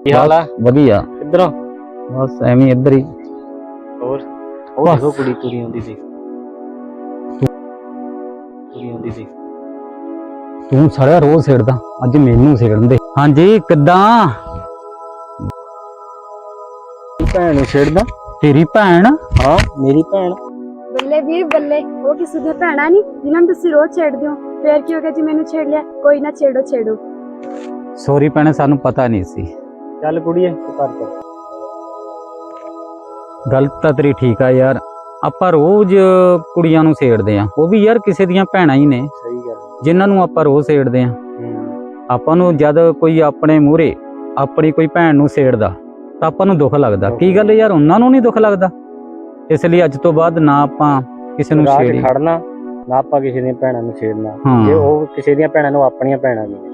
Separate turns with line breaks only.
ਕੀ ਹਾਲ ਆ?
ਵਧੀਆ।
ਕਿੱਧਰੋਂ?
ਬਸ ਐਵੇਂ ਇੱਧਰ ਹੀ।
ਹੋਰ ਉਹ
ਬਸ।
ਦੇਖੋ ਕੁੜੀ ਆਉਂਦੀ ਸੀ। ਕੁੜੀ ਆਉਂਦੀ ਸੀ।
ਤੂੰ ਸਾਰਾ ਰੋਜ਼ ਛੇੜਦਾ, ਅੱਜ ਮੈਨੂੰ ਛੇੜਨ ਦੇ। ਹਾਂਜੀ ਕਿੱਦਾਂ?
ਭੈਣ ਨੂੰ ਛੇੜਦਾ?
ਤੇਰੀ ਭੈਣ?
ਹਾਂ ਮੇਰੀ ਭੈਣ।
ਬੱਲੇ ਵੀਰ ਬੱਲੇ, ਉਹ ਕਿਸੇ ਦੀਆਂ ਭੈਣਾਂ ਨਹੀਂ ਜਿਨ੍ਹਾਂ ਨੂੰ ਤੁਸੀਂ ਰੋਜ਼ ਛੇੜਦੇ ਹੋ। ਫੇਰ ਕੀ ਹੋ ਗਿਆ ਜੀ ਮੈਨੂੰ ਛੇੜ ਲਿਆ? ਕੋਈ ਨਾ, ਛੇੜੋ।
ਸੌਰੀ ਭੈਣੇ, ਸਾਨੂੰ ਪਤਾ ਨਹੀਂ ਸੀ।
ਚੱਲ ਕੁੜੀਏ ਤੂੰ ਘਰ ਚੱਲ।
ਗੱਲ ਤਾਂ ਤੇਰੀ ਠੀਕ ਆ ਯਾਰ, ਆਪਾਂ ਰੋਜ਼ ਕੁੜੀਆਂ ਨੂੰ ਛੇੜਦੇ ਆ, ਉਹ ਵੀ ਯਾਰ ਕਿਸੇ ਦੀਆਂ ਭੈਣਾਂ ਹੀ ਨੇ
ਸਹੀ ਗੱਲ।
ਜਿਨ੍ਹਾਂ ਨੂੰ ਆਪਾਂ ਰੋਜ਼ ਛੇੜਦੇ ਆ। ਆਪਾਂ ਨੂੰ ਜਦ ਕੋਈ ਆਪਣੇ ਮੂਹਰੇ ਆਪਣੀ ਕੋਈ ਭੈਣ ਨੂੰ ਛੇੜਦਾ ਤਾਂ ਆਪਾਂ ਨੂੰ ਦੁੱਖ ਲੱਗਦਾ। ਕੀ ਗੱਲ ਯਾਰ, ਉਹਨਾਂ ਨੂੰ ਨਹੀਂ ਦੁੱਖ ਲੱਗਦਾ? ਇਸ ਲਈ ਅੱਜ ਤੋਂ ਬਾਅਦ ਨਾ ਆਪਾਂ ਕਿਸੇ ਨੂੰ
ਰਾਹ 'ਚ
ਛੇੜੀ।
ਖੜਨਾ ਨਾ, ਆਪਾਂ ਕਿਸੇ ਦੀਆਂ ਭੈਣਾਂ ਨੂੰ ਛੇੜਨਾ।
ਹਾਂ।
ਜੇ ਉਹ ਕਿਸੇ ਦੀਆਂ ਭੈਣਾਂ ਨੂੰ ਆਪਣੀਆਂ ਭੈਣਾਂ ਨੇ